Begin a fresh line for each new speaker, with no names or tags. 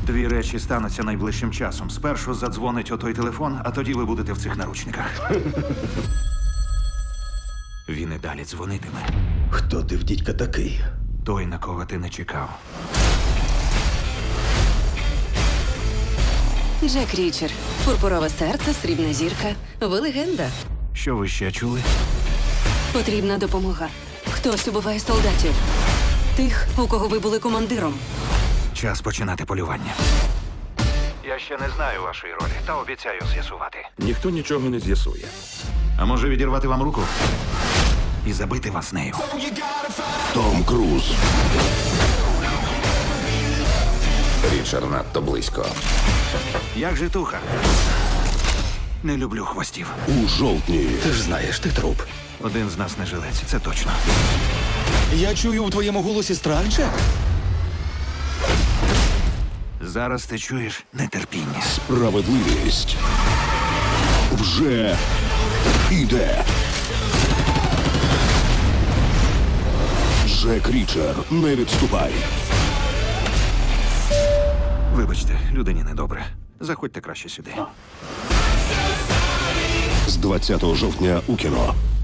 Дві речі стануться найближчим часом. Спершу задзвонить отой телефон, а тоді ви будете в цих наручниках. Він і далі дзвонитиме.
Хто ти в дідька такий?
Той, на кого ти не чекав.
Джек Річер. Пурпурове серце, срібна зірка. Ви легенда.
Що ви ще чули?
Потрібна допомога. Хтось убиває солдатів. Тих, у кого ви були командиром.
Час починати полювання. Я ще не знаю вашої ролі, та обіцяю з'ясувати.
Ніхто нічого не з'ясує.
А може відірвати вам руку? І забити вас нею.
Том Круз.
Річард надто близько.
Як житуха? Не люблю хвостів.
У жовтні. Ти ж знаєш, ти труп.
Один з нас не жилець, це точно.
Я чую у твоєму голосі страх, Джек.
Зараз ти чуєш нетерпіння.
Справедливість вже іде. Джек Річер, не відступай.
Вибачте, людині недобре. Заходьте краще сюди.
З 20 жовтня у кіно.